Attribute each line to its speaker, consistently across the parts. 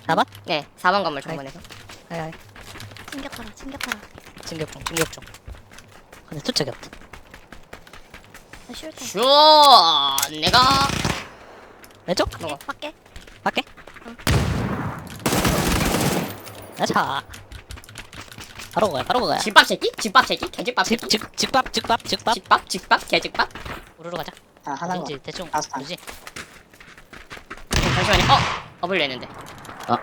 Speaker 1: 4번?
Speaker 2: 네 4번 건물 정문에서.
Speaker 1: 아이
Speaker 3: 챙겨타라 챙겨타라.
Speaker 1: 진격중 근데 투척이 없다.
Speaker 3: 나 슈얼탄.
Speaker 2: 슈 내가
Speaker 1: 왼쪽?
Speaker 2: 먹어.
Speaker 3: 밖에.
Speaker 1: 밖에? 자 바로 그거야
Speaker 2: 집밥 새끼? 집밥 새끼? 개집밥 새끼?
Speaker 1: 직밥
Speaker 2: 집밥? 개집밥?
Speaker 1: 우르르 가자.
Speaker 4: 아, 하나는
Speaker 1: 어딘지 대충
Speaker 4: 다섯 판.
Speaker 1: 모르지?
Speaker 2: 잠시만요. 업을 내는데.
Speaker 1: 어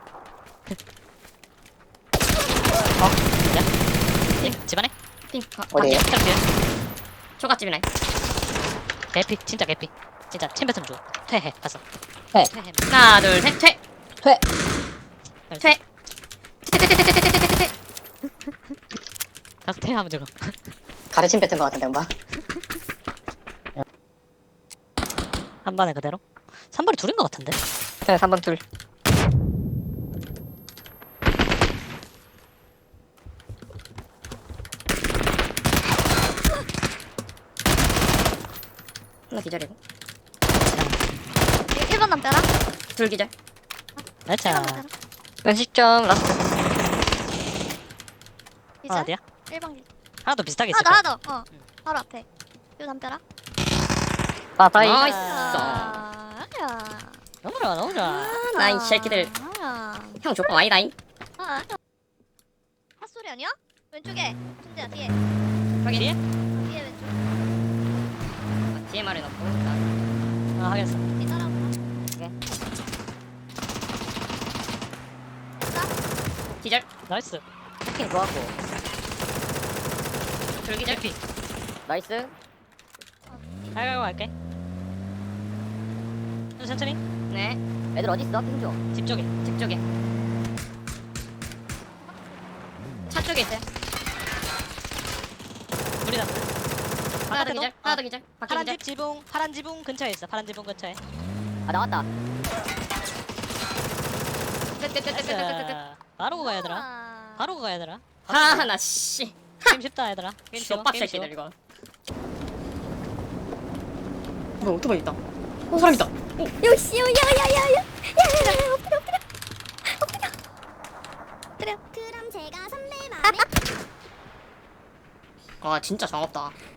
Speaker 1: 진짜? 집안에?
Speaker 2: 핑.
Speaker 4: 어디에요?
Speaker 2: 밖에. 초가집이네.
Speaker 1: 개피 진짜 개피 진짜 챔 뱉으면 좋아. 퇴해 가서
Speaker 4: 회.
Speaker 1: 퇴해
Speaker 2: 하나 둘 셋 퇴.
Speaker 4: 퇴.
Speaker 2: 퇴. 퇴퇴퇴퇴퇴퇴퇴퇴퇴.
Speaker 1: 가서 퇴하면 되고.
Speaker 4: 가르침 뱉은 것 같은데, 엄마.
Speaker 1: 한 번에 그대로? 3번이 둘인 것 같은데?
Speaker 2: 네 3번 둘. 하나 기절이고
Speaker 3: 1번 남자라.
Speaker 2: 둘 기절.
Speaker 3: 1번
Speaker 1: 나이차
Speaker 3: 남자라.
Speaker 2: 연식점 라스트.
Speaker 3: 이제
Speaker 1: 어디야?
Speaker 3: 1번 길.
Speaker 1: 하나 더 비슷하게 있을
Speaker 3: 하나
Speaker 1: 거야.
Speaker 3: 더. 바로 앞에. 요 남자라.
Speaker 2: 바다이.
Speaker 3: 나이스.
Speaker 1: 너무 좋아 너무 좋아.
Speaker 2: 나이 새끼들. 형 조건 아니다잉.
Speaker 3: 핫소리 아니야? 왼쪽에. 순재야 뒤에.
Speaker 2: 확인.
Speaker 1: 뒤에?
Speaker 3: 뒤에 왼쪽.
Speaker 2: DMR에 넣고.
Speaker 1: 아 하겠어.
Speaker 3: 뒤 따라오구나.
Speaker 2: 기절.
Speaker 1: 나이스.
Speaker 2: 핑 좋았고. 둘 기절.
Speaker 1: 개피.
Speaker 2: 나이스.
Speaker 1: 아이고 갈게. 천천히.
Speaker 2: 네. 애들 어디 있어? 핑 좀.
Speaker 1: 집 쪽에.
Speaker 2: 집 쪽에. 차 쪽에 있어요.
Speaker 1: 우리 남.
Speaker 2: 하나 더 기절. 하나 더 기절. 밖에
Speaker 1: 파란
Speaker 2: 기절.
Speaker 1: 집 지붕 파란 지붕 근처에 있어. 파란 지붕 근처에.
Speaker 2: 아 나왔다.
Speaker 1: 나이스. 바로 가 얘들아. 바로 가 얘들아.
Speaker 2: 하나 씨.
Speaker 1: 게임 쉽다 얘들아. 게임 쉬워.
Speaker 2: 쇼박
Speaker 1: 게임 쉬워.
Speaker 2: 새끼들 이거. 뭐 오토바이 있다. 사람 있다.
Speaker 3: 요시 야야야야야. 엎드려.
Speaker 5: 그럼 제가 선배 맘에
Speaker 2: 아 진짜 정없다.